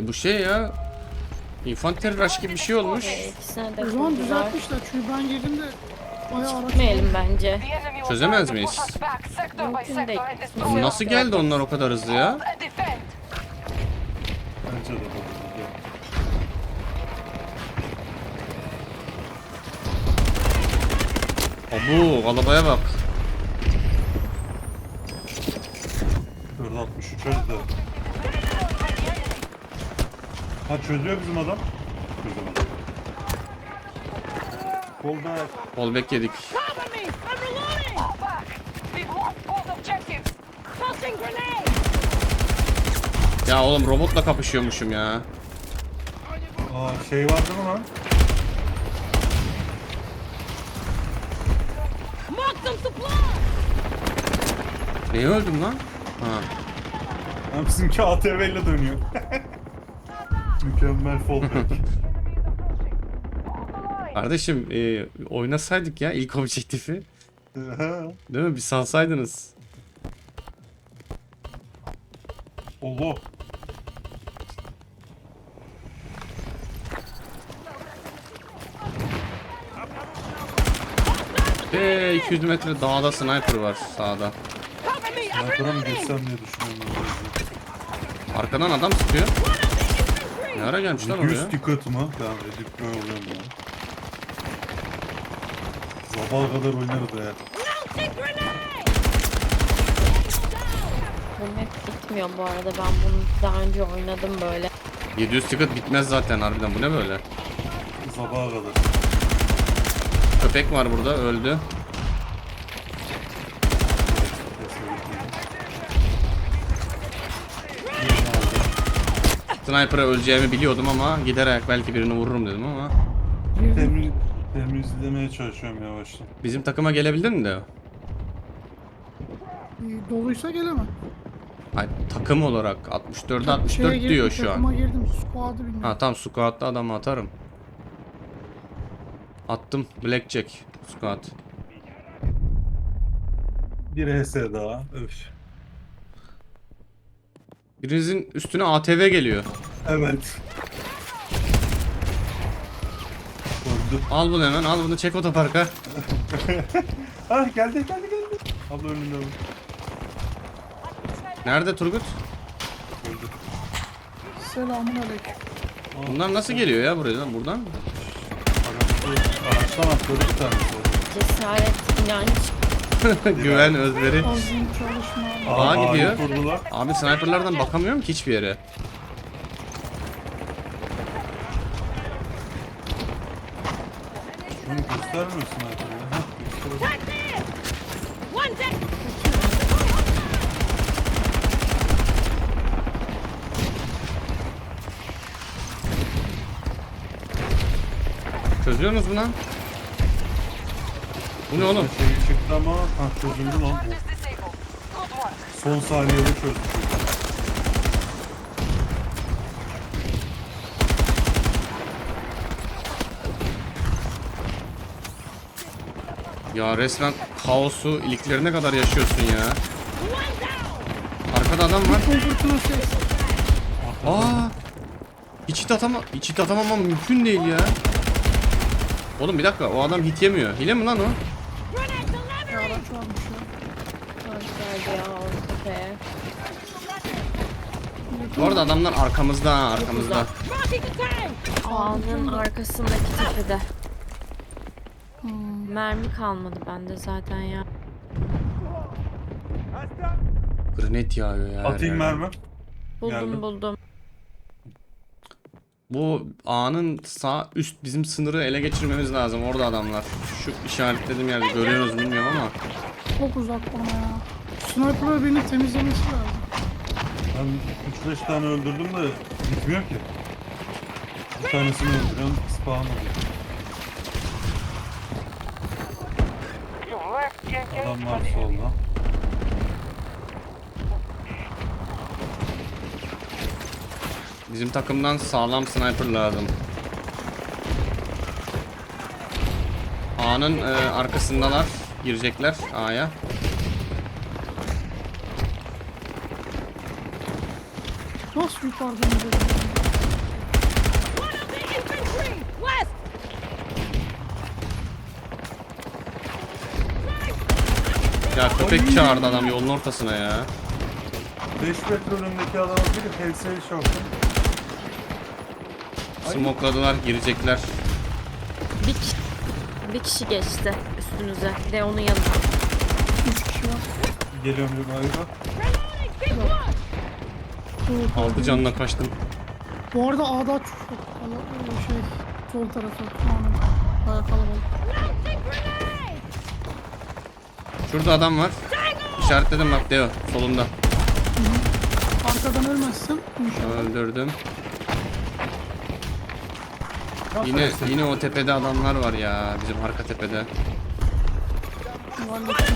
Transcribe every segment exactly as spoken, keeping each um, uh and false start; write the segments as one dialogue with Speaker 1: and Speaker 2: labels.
Speaker 1: bu şey ya. Infantry rush gibi bir şey olmuş.
Speaker 2: Ee, ikisine de
Speaker 3: O zaman
Speaker 2: kurdular.
Speaker 3: düzeltmişler çünkü ben girdim de bayağı araç.
Speaker 2: Gitmeyelim bence.
Speaker 1: Çözemez miyiz?
Speaker 2: Mümkün değil.
Speaker 1: Oğlum nasıl geldi onlar o kadar hızlı ya?
Speaker 4: Bence de bu.
Speaker 1: Abu galabaya bak.
Speaker 4: dört altmış üç çözdü. Ha çözüyor bizim adam. Çözemedi. Kolda
Speaker 1: Fallback yedik.
Speaker 5: Cover me! I'm reloading! Tossing grenade!
Speaker 1: Ya oğlum robotla kapışıyormuşum ya.
Speaker 4: aa, şey vardı mı lan?
Speaker 5: Mark some supplies!
Speaker 1: Neye öldüm lan? Ha.
Speaker 4: Ha, bizimki A T V ile dönüyor. Mükemmel fallback.
Speaker 1: Kardeşim e, oynasaydık ya ilk objektifi. Değil mi? Bir salsaydınız.
Speaker 4: Allah.
Speaker 1: Eee iki yüz metre dağda sniper var sağda.
Speaker 5: Cover me! I'm
Speaker 4: Sniper'a mı
Speaker 5: reloading!
Speaker 4: geçsem diye düşünüyorum.
Speaker 1: Arkadan adam sıkıyor. Ne ara gelmiş lan oraya?
Speaker 4: yüz ticket mı? Tamam edip böyle oluyorum ya. Sabaha kadar oynarız eğer.
Speaker 5: Launching grenade!
Speaker 2: Bu map bitmiyor bu arada. Ben bunu daha önce oynadım böyle.
Speaker 1: yedi yüz ticket bitmez zaten harbiden, bu ne böyle?
Speaker 4: Sabaha kadar.
Speaker 1: Köpek var burada, öldü. Sniper'a öleceğimi biliyordum ama giderek belki birini vururum dedim ama.
Speaker 4: Temiz, temizlemeye çalışıyorum yavaştan.
Speaker 1: Bizim takıma gelebildin mi de?
Speaker 3: Ee, doluysa gelemem.
Speaker 1: Hayır, takım olarak altmış dörde
Speaker 3: Şeye
Speaker 1: altmış dört
Speaker 3: girdim,
Speaker 1: diyor şu
Speaker 3: takıma
Speaker 1: an.
Speaker 3: girdim. Squad'ı bilmiyorum.
Speaker 1: Ha tamam, squat'ta adamı atarım. Attım blackjack squat.
Speaker 4: Bir H S daha. Öf.
Speaker 1: Birinizin üstüne A T V geliyor.
Speaker 4: Evet. Öldü.
Speaker 1: Al bunu hemen, al bunu, çek otoparka.
Speaker 4: Ah geldi geldi geldi. Abla önünde abi.
Speaker 1: Nerede Turgut?
Speaker 4: Öldü.
Speaker 3: Selamun aleyküm.
Speaker 1: Bunlar nasıl geliyor ya buraya? Buradan?
Speaker 4: Araçta, araçtan atladı bir tanesi.
Speaker 2: Cesaret, inanç.
Speaker 1: Güven, özveri.
Speaker 3: Azim çalışma.
Speaker 1: Ağa
Speaker 4: Aa,
Speaker 1: gidiyor.
Speaker 4: kurdular.
Speaker 1: Abi sniperlardan bakamıyorum ki hiçbir yere.
Speaker 4: Şunu göstermiyorsun artık ya. Hah, göster.
Speaker 5: Right there! One deck!
Speaker 1: Çözüyorsunuz mu lan? Bu ne oğlum?
Speaker 4: Şey çıktı ama ha çözüldü lan bu. Son saniyede çözdük.
Speaker 1: Ya resmen kaosu iliklerine kadar yaşıyorsun ya.
Speaker 5: One down!
Speaker 1: Arkada adam var.
Speaker 3: Komfortuna ses.
Speaker 1: Aa! Hiç atama, hiç atamamam mümkün değil ya. Oğlum bir dakika, o adam hit yemiyor. Hile mi lan o?
Speaker 5: Grenade
Speaker 3: Ya
Speaker 5: delivery!
Speaker 3: araç varmış ya.
Speaker 2: Hoş geldi ya o tepeye.
Speaker 1: Bu arada adamlar arkamızda ha, arkamızda.
Speaker 5: Marking the tank!
Speaker 2: Ağanın arkasındaki tepede. Mermi kalmadı bende zaten ya.
Speaker 1: Granit yağıyor ya. her
Speaker 4: Atayım
Speaker 1: yerden.
Speaker 4: mermi.
Speaker 2: Buldum
Speaker 4: Geldim.
Speaker 2: buldum.
Speaker 1: Bu ağanın sağ üst bizim sınırı ele geçirmemiz lazım. Orada adamlar. Şu işaretlediğim yerde görüyorsunuz bilmiyorum ama.
Speaker 3: Çok uzak bana ya. Sniper'ı beni temizlemesi lazım.
Speaker 4: Ben üç beş tane öldürdüm de bitmiyor ki. Bir tanesini öldürüyorum, spawn oluyor. Adam var solda.
Speaker 1: Bizim takımdan sağlam sniper lazım. A'nın e, arkasındalar. Girecekler A'ya.
Speaker 3: Nasıl yukarıdan gidelim?
Speaker 1: köpek çağırdı adam yolun ortasına ya.
Speaker 4: beş metre önündeki adamın biri H S'yi şaftı.
Speaker 1: Smokladılar, girecekler.
Speaker 2: Bir kişi, bir kişi geçti üstünüze. Bir de onun yanına.
Speaker 3: Üç kişi var.
Speaker 4: Geliyorum bir galiba.
Speaker 5: Reloading. Big one.
Speaker 1: Altı canla kaçtım.
Speaker 3: Bu arada A'da çok kala- şey sol tarafı. Anam. Bayağı kalabalık.
Speaker 5: Launching grenade.
Speaker 1: Şurada adam var. İşaretledim bak Deo solunda.
Speaker 3: Arkadan ölmezsem inşallah.
Speaker 1: Öldürdüm. Yine yine o tepede adamlar var ya bizim arka tepede.
Speaker 3: Hallettim.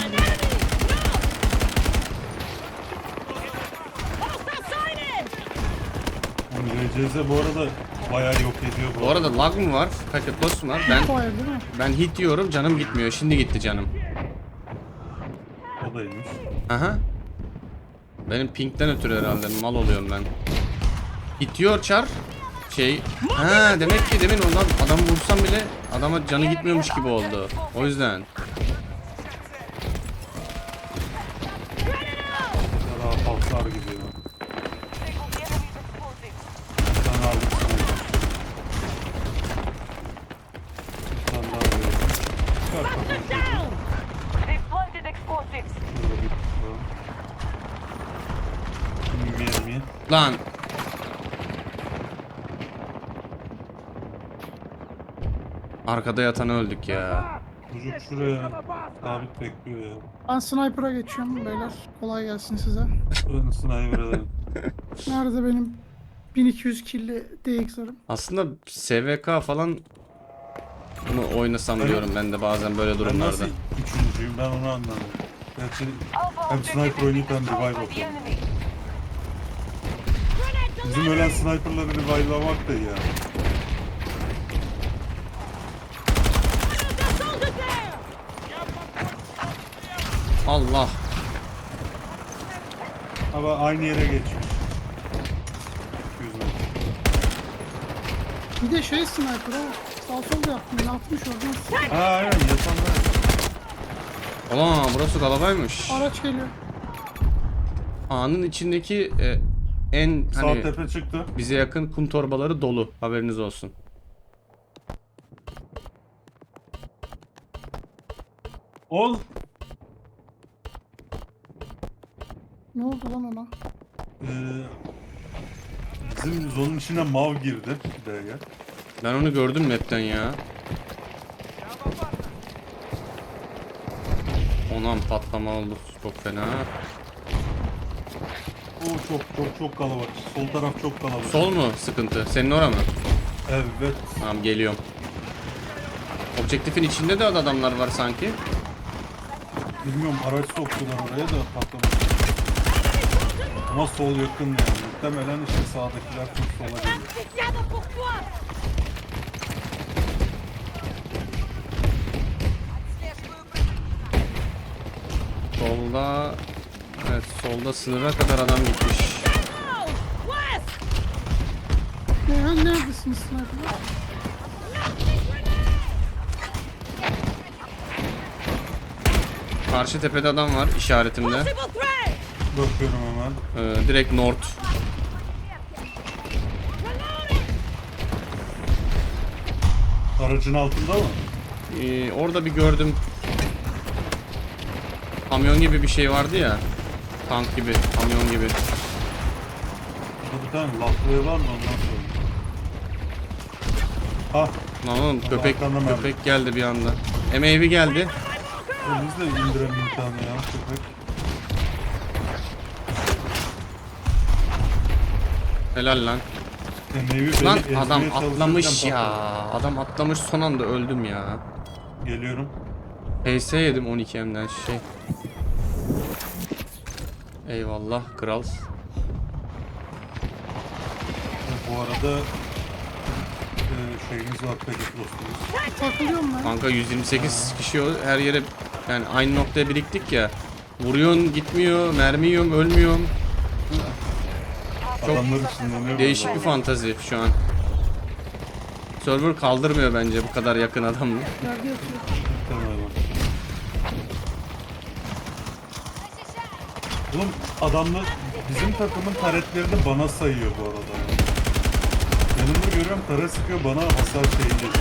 Speaker 5: Hostile sighted.
Speaker 4: R C Z bu arada bayağı yok ediyor bu.
Speaker 1: Bu arada lag mı var? Kakepos mu var? Ben
Speaker 3: Fire değil mi?
Speaker 1: ben hit diyorum canım gitmiyor. Şimdi gitti canım.
Speaker 4: O da iyiymiş.
Speaker 1: Aha. Benim pinkten ötürü herhalde mal oluyorum ben. Hit diyor çar. Şey. Ha demek ki demin ondan adam vursam bile adama canı gitmiyormuş gibi oldu. O yüzden.
Speaker 4: Daha falsar gibi ya. Ben aldım sana. Bir tane daha veriyorum. Çıkar kafanı çocuğum.
Speaker 5: Down.
Speaker 6: They've planted explosives.
Speaker 4: Şurada bir tutalım. Mermi.
Speaker 1: Lan. Arkada yatanı öldük ya.
Speaker 4: Çocuk şuraya sabit bekliyor ya.
Speaker 3: Ben sniper'a geçiyorum beyler. Kolay gelsin size.
Speaker 4: Buranın sniper edelim.
Speaker 3: Nerede benim bin iki yüz killi D X'larım?
Speaker 1: Aslında S V K falan mı oynasam
Speaker 4: Ben-
Speaker 1: diyorum ben de bazen böyle
Speaker 4: Ben
Speaker 1: durumlarda.
Speaker 4: nasıl üçüncüyüm ben onu anlamadım. Gerçi
Speaker 6: Alpha
Speaker 4: hem
Speaker 6: objective
Speaker 4: sniper oynayıp hem
Speaker 6: controlled
Speaker 4: revive
Speaker 6: by the
Speaker 4: atıyorum.
Speaker 6: enemy.
Speaker 5: Grenade
Speaker 4: Bizim ölen sniperları revive'lamak da iyi ya.
Speaker 5: The soldiers there.
Speaker 1: Allah.
Speaker 4: Ama aynı yere geçmiş. iki yüz metre.
Speaker 3: Bir de şey sniper o. Sağ sol yaptım. Yatmış orada.
Speaker 4: Ha aynen yatanlar.
Speaker 1: Ulan burası kalabaymış.
Speaker 3: Araç geliyor.
Speaker 1: Ağanın içindeki e, en
Speaker 4: Sağ
Speaker 1: hani
Speaker 4: tepe çıktı.
Speaker 1: bize yakın kum torbaları dolu. Haberiniz olsun.
Speaker 4: Ol.
Speaker 3: Ne oldu lan ona?
Speaker 4: Ee, bizim zonun içine mav girdi. Buraya gel.
Speaker 1: Ben onu gördüm map'ten ya. Onam patlama oldu. Çok fena.
Speaker 4: O çok çok çok kalabalık. Sol taraf çok kalabalık.
Speaker 1: Sol mu sıkıntı? Senin ora mı?
Speaker 4: Evet.
Speaker 1: Tamam geliyorum. Objektifin içinde de adamlar var sanki.
Speaker 4: Bilmiyorum araç soktular oraya da patlamış. Ama sol yakın yani. Muhtemelen işte sağdakiler çok sola geliyor.
Speaker 5: Restez together pour toi.
Speaker 1: Solda evet solda sınıra kadar adam gitmiş.
Speaker 5: Go. West.
Speaker 3: Ne ya? Neredesiniz sniper'lar?
Speaker 1: Karşı tepede adam var işaretimde.
Speaker 5: Possible threat.
Speaker 4: Bakıyorum hemen.
Speaker 1: Ee, direkt north.
Speaker 4: Aracın altında mı?
Speaker 1: Ee, orada bir gördüm. Kamyon gibi bir şey vardı ya. Tank gibi, kamyon gibi.
Speaker 4: Burada bir tane laflığı var mı ondan sonra? Ha,
Speaker 1: Lan oğlum köpek
Speaker 4: arkamdan ben-
Speaker 1: köpek geldi bir anda. M A V geldi.
Speaker 4: biz de indirelim bir tane ya köpek.
Speaker 1: Helal lan.
Speaker 4: Emeği
Speaker 1: Lan
Speaker 4: beni
Speaker 1: adam
Speaker 4: ezmeye
Speaker 1: atlamış
Speaker 4: çalışırken
Speaker 1: ya.
Speaker 4: patladı.
Speaker 1: Adam atlamış son anda öldüm ya.
Speaker 4: Geliyorum.
Speaker 1: P S yedim on iki M'den şey. Eyvallah kral.
Speaker 4: Bu arada e, şeyimiz var peki dostumuz.
Speaker 3: Takılıyorum ben.
Speaker 1: Kanka yüz yirmi sekiz kişi o- her yere yani aynı noktaya biriktik ya. Vuruyorsun gitmiyor, mermi yiyorum, ölmüyorum. Çok
Speaker 4: Adamlar ışınlanıyor.
Speaker 1: değişik
Speaker 4: vallahi.
Speaker 1: bir fantazi şu an. Server kaldırmıyor bence bu kadar yakın adamla.
Speaker 3: Yerde yatıyor.
Speaker 4: Tamam. Oğlum adamlar bizim takımın taretlerini bana sayıyor bu arada. Yanımda görüyorum taret sıkıyor bana hasar şeyi geliyor.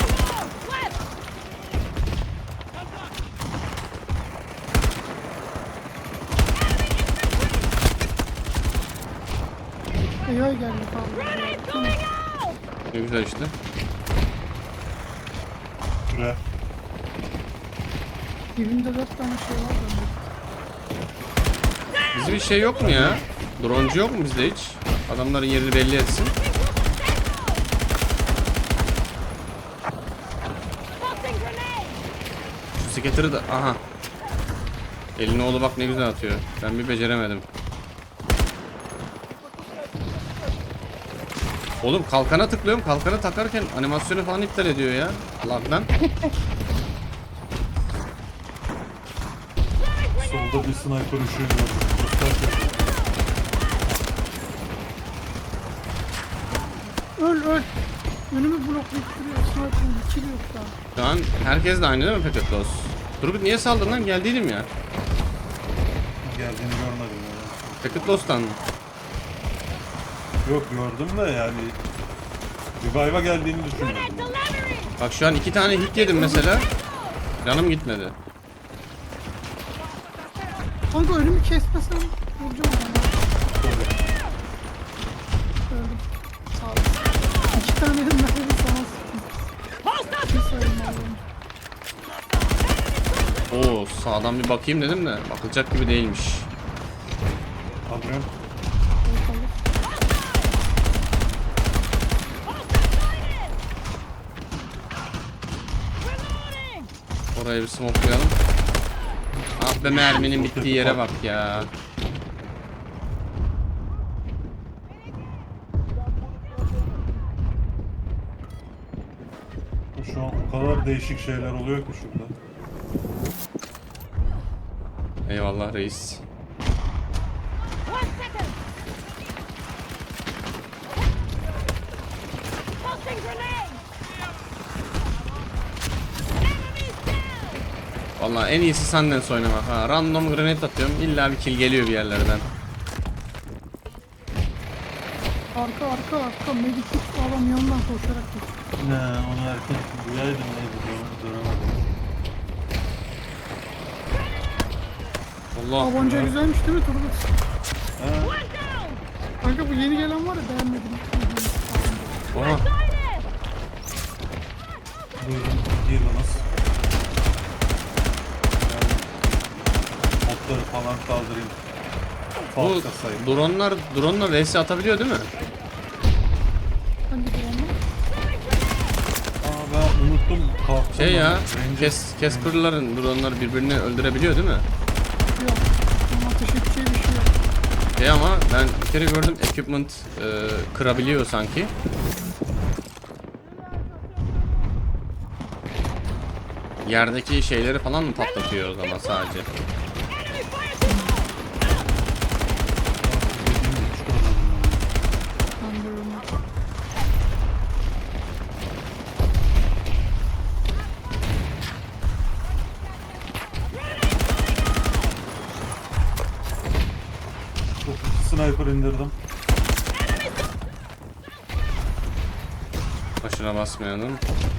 Speaker 3: A I geldi falan. Tamam.
Speaker 1: Ne güzel işte.
Speaker 4: Şuraya.
Speaker 3: Dibimde dört tane şey var bende.
Speaker 1: Bizde bir şey yok mu ya? Droncu yok mu bizde hiç? Adamların yerini belli etsin.
Speaker 5: Tossing grenade!
Speaker 1: Şu skateri de aha. Elini oğlu bak ne güzel atıyor. Ben bir beceremedim. Oğlum kalkana tıklıyorum. Kalkanı takarken animasyonu falan iptal ediyor ya. Lagdan.
Speaker 4: Solda bir sniper ışığı gördüm. Göster şöyle.
Speaker 3: Öl öl. Önümü bloklayıp duruyor. Sniper'ın bir kill yok daha.
Speaker 1: Şu an herkes de aynı değil mi Packet Loss? Turgut niye saldın lan? Geldiydim ya.
Speaker 4: Geldiğini görmedim ya.
Speaker 1: Packet Loss'tan mı?
Speaker 4: Yok gördüm de yani revive'a geldiğini düşünmedim.
Speaker 5: Delivery!
Speaker 1: Bak şu an iki tane hit yedim mesela. Canım gitmedi.
Speaker 3: Kanka önümü kesmesen vuracağım ona. Öldüm. Sağ ol. İki tane de mermi sana sıktım. Bir sayın oğlum.
Speaker 1: Oo sağdan bir bakayım dedim de bakılacak gibi değilmiş.
Speaker 4: Adrian.
Speaker 3: Ortalık.
Speaker 5: Reloading!
Speaker 1: Orayı bir smokelayalım. Ah be merminin bittiği yere bak ya.
Speaker 4: Şu an o kadar değişik şeyler oluyor ki şurada.
Speaker 1: Eyvallah reis.
Speaker 5: One second! Tossing grenade! Enemies down!
Speaker 1: Vallahi en iyisi Sundance oynamak ha. Random grenade atıyorum illa bir kill geliyor bir yerlerden.
Speaker 3: Arka arka arka. Medikit adam yanından koşarak geçiyor.
Speaker 4: Ne onu erken duyaydım neydi dönemedim.
Speaker 1: Allah.
Speaker 3: Tabanca güzelmiş değil mi Turgut?
Speaker 4: Ha,
Speaker 5: One down!
Speaker 3: Kanka bu yeni gelen var ya beğenmedim.
Speaker 1: Oha.
Speaker 4: buyurun giriniz. Yani botları falan kaldırayım.
Speaker 1: Bu
Speaker 4: Falka sayın.
Speaker 1: dronlar drone'la vs atabiliyor değil mi?
Speaker 3: Hangi bu onlar?
Speaker 4: Aa ben unuttum. Kalktım
Speaker 1: Şey ya,
Speaker 4: ben. Ranger-
Speaker 1: Kes Casper'ların drone'ları birbirini öldürebiliyor değil mi?
Speaker 3: Yok. Ama ateş edeceği bir şey yok.
Speaker 1: Şey ama ben bir kere gördüm equipment e, kırabiliyor sanki. Yerdeki şeyleri falan mı patlatıyor o zaman sadece?
Speaker 5: Enemy fire support!
Speaker 4: Dediğim gibi çıkarmadım ben.
Speaker 3: Ben de öyle.
Speaker 4: Çok sniper indirdim.
Speaker 1: Başına basmayalım.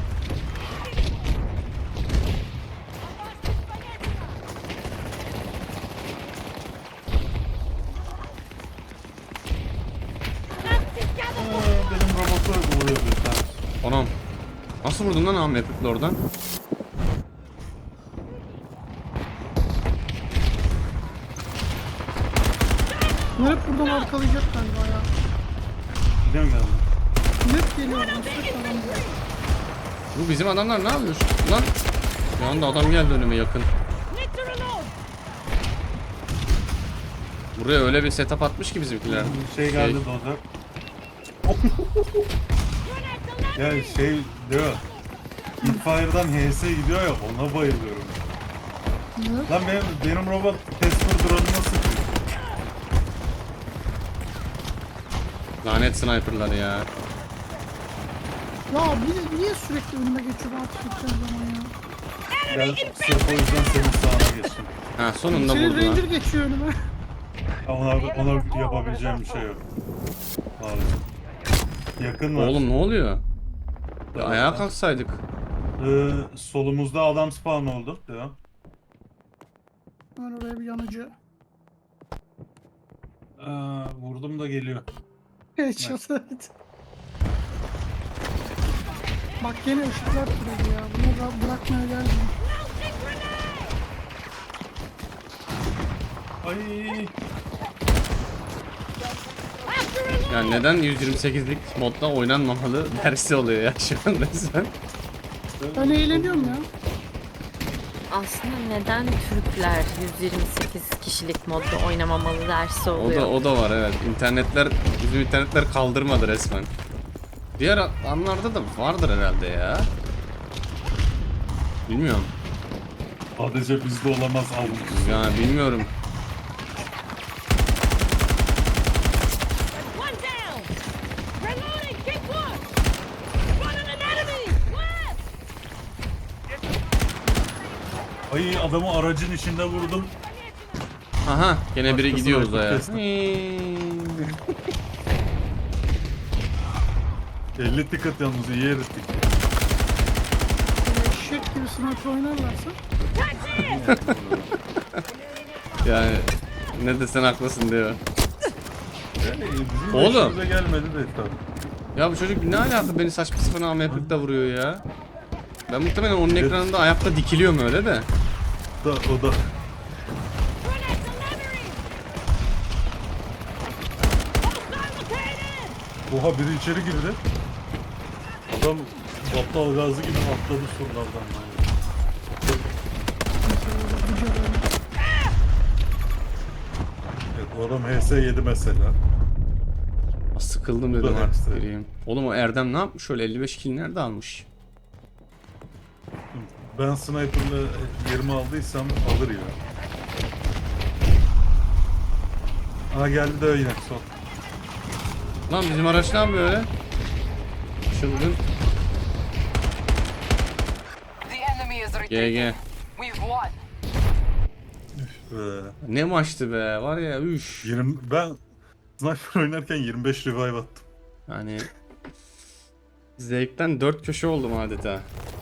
Speaker 4: Aa, benim robotu vuruyor bir tane.
Speaker 1: Anam. Nasıl vurdun lan Ahmet Epik'le oradan?
Speaker 3: Bu hep buradan arkalayacak galiba ya.
Speaker 4: Yine mi geldi?
Speaker 3: Net geliyor. Net falan diyor.
Speaker 1: Bu bizim adamlar ne yapıyor? Lan. Bir anda adam geldi önüme yakın.
Speaker 5: Need to reload!
Speaker 1: Buraya öyle bir setup atmış ki bizimkiler.
Speaker 4: Şey geldi dozer.
Speaker 5: Grenade delivery!
Speaker 4: Ya şey diyor. Hipfire'dan H S gidiyor ya ona bayılıyorum.
Speaker 3: Ne?
Speaker 4: Lan benim, benim robot Casper drone'una sıkıyor.
Speaker 1: Lanet sniperlar ya.
Speaker 3: Ya niye, niye sürekli önüme geçiyor ben ateş edeceğim zaman ya?
Speaker 4: Ben sırf o yüzden senin sağına geçtim.
Speaker 1: Ha sonunda
Speaker 3: Senin
Speaker 1: vurdu lan.
Speaker 3: Ranger geçiyor önüme.
Speaker 4: Ona, ona yapabileceğim bir şey yok. Abi. Yakın var.
Speaker 1: Oğlum ne oluyor? Bir
Speaker 4: Tamam.
Speaker 1: ayağa kalksaydık.
Speaker 4: Ee, solumuzda adam spawn oldu. Devam.
Speaker 3: Ben oraya bir yanıcı.
Speaker 4: Aa, vurdum da geliyor.
Speaker 3: Headshot evet. Bak yine ışıklar türedi ya. Bunu da bırakmaya geldim.
Speaker 4: Ay.
Speaker 1: Ya neden yüz yirmi sekizlik modda oynanmamalı dersi oluyor ya şu an resmen.
Speaker 3: Ben eğleniyorum ya.
Speaker 2: Aslında neden Türkler yüz yirmi sekiz kişilik modda oynamamalı dersi
Speaker 1: O
Speaker 2: oluyor?
Speaker 1: da o da var evet. İnternetler bizim internetler kaldırmadı resmen. Diğer anlarda da vardır herhalde ya. Bilmiyorum.
Speaker 4: Sadece bizde olamaz almış.
Speaker 1: Ya bilmiyorum.
Speaker 5: One down. Reloading. Keep one. Running an enemy. Left.
Speaker 4: Ay adamı aracın içinde vurdum.
Speaker 1: Aha gene biri
Speaker 4: Başkası
Speaker 1: gidiyor
Speaker 4: rakip
Speaker 1: uzaya.
Speaker 4: kestim. elli ticket yalnız iyi erittik.
Speaker 3: Böyle eşek gibi sniper oynarlarsa.
Speaker 1: Yani ne desen haklısın diyor.
Speaker 4: Yani bizim
Speaker 1: Oğlum.
Speaker 4: işimize gelmedi de tabii.
Speaker 1: Ya bu çocuk ne alaka beni saçma sapan A M kırkta vuruyor ya. Ben muhtemelen onun ekranında ayakta dikiliyorum öyle de.
Speaker 4: Da, o da. Oha biri içeri girdi. Adam battal gazı gibi atladı surlardan. Evet o adam H S yedi mesela.
Speaker 1: Sıkıldım
Speaker 4: Bu da
Speaker 1: dedim artık
Speaker 4: ekstra.
Speaker 1: gireyim. Oğlum o Erdem ne yapmış? Şöyle elli beş kill nerede almış?
Speaker 4: Ben sniper'la yerimi aldıysam alır ya. Aha geldi de yine son.
Speaker 1: Lan bizim araç ne yapıyor öyle? Çılgın.
Speaker 6: The enemy is retreating.
Speaker 1: G G.
Speaker 6: We've won.
Speaker 4: Ee,
Speaker 1: Ne maçtı be var ya üş.
Speaker 4: yirmi, ben sniper oynarken yirmi beş revive attım.
Speaker 1: Yani zevkten dört köşe oldum adeta.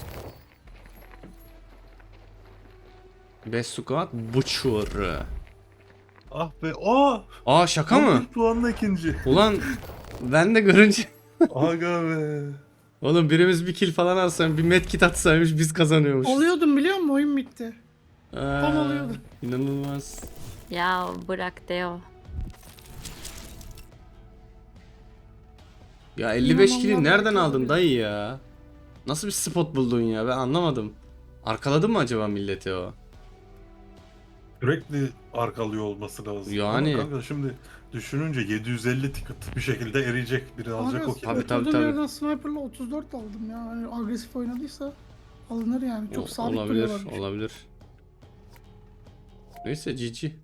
Speaker 1: Best squad Butcher.
Speaker 4: Ah be, aa!
Speaker 1: Aa şaka mı?
Speaker 4: Bir puanla ikinci.
Speaker 1: Ulan ben de görünce
Speaker 4: Aga be.
Speaker 1: oğlum birimiz bir kill falan alsaymış bir medkit atsaymış biz kazanıyormuş.
Speaker 3: Oluyordum biliyor musun? Oyun bitti.
Speaker 1: Aa,
Speaker 3: Tam oluyordu.
Speaker 1: İnanılmaz.
Speaker 2: Ya bırak Deo.
Speaker 1: Ya elli beş
Speaker 3: İnanılmaz
Speaker 1: kill'i nereden
Speaker 3: belki
Speaker 1: aldın
Speaker 3: olabilir.
Speaker 1: dayı ya? Nasıl bir spot buldun ya ben anlamadım. Arkaladın mı acaba milleti o?
Speaker 4: Sürekli arkalıyor olması lazım.
Speaker 1: Yani.
Speaker 4: Ama kanka şimdi düşününce yedi yüz elli ticket bir şekilde eriyecek. Biri alacak o
Speaker 3: Abi,
Speaker 4: ki.
Speaker 1: Tabii, tabii,
Speaker 3: oturduğum
Speaker 1: tabii.
Speaker 3: yerden sniper'la otuz dört aldım ya. Hani agresif oynadıysa alınır yani. Çok
Speaker 1: O-
Speaker 3: sabit
Speaker 1: olabilir,
Speaker 3: duruyorlarmış.
Speaker 1: olabilir. Neyse G G.